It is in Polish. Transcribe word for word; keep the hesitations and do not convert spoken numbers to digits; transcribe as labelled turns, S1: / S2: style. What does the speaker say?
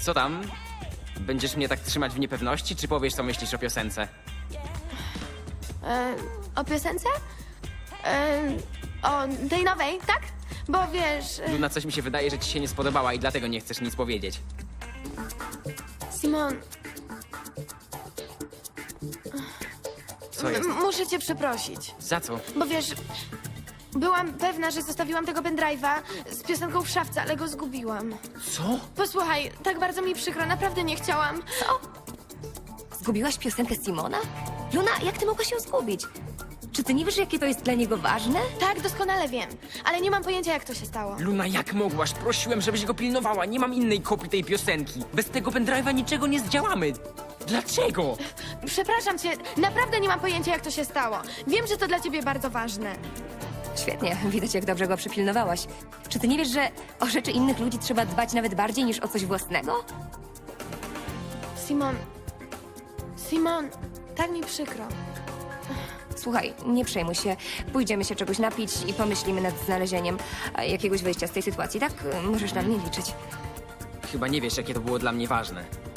S1: Co tam? Będziesz mnie tak trzymać w niepewności, czy powiesz, co myślisz o piosence?
S2: E, o piosence? E, o tej nowej, tak? Bo wiesz... e,
S1: Luna, coś mi się wydaje, że ci się nie spodobała i dlatego nie chcesz nic powiedzieć.
S2: Simon,
S1: Co jest?
S2: m- muszę cię przeprosić.
S1: Za co?
S2: Bo wiesz, byłam pewna, że zostawiłam tego pendrive'a z piosenką w szafce, ale go zgubiłam.
S1: Co?
S2: Posłuchaj, tak bardzo mi przykro, naprawdę nie chciałam.
S3: Co? Zgubiłaś piosenkę Simona? Luna, jak ty mogłaś ją zgubić? Czy ty nie wiesz, jakie to jest dla niego ważne?
S2: Tak, doskonale wiem, ale nie mam pojęcia, jak to się stało.
S1: Luna, jak mogłaś? Prosiłem, żebyś go pilnowała. Nie mam innej kopii tej piosenki. Bez tego pendrive'a niczego nie zdziałamy. Dlaczego?
S2: Przepraszam cię, naprawdę nie mam pojęcia, jak to się stało. Wiem, że to dla ciebie bardzo ważne.
S3: Świetnie, widać, jak dobrze go przypilnowałaś. Czy ty nie wiesz, że o rzeczy innych ludzi trzeba dbać nawet bardziej niż o coś własnego?
S2: Simon, Simon, tak mi przykro.
S3: Słuchaj, nie przejmuj się. Pójdziemy się czegoś napić i pomyślimy nad znalezieniem e, jakiegoś wyjścia z tej sytuacji, tak? Możesz na mnie liczyć.
S1: Chyba nie wiesz, jakie to było dla mnie ważne.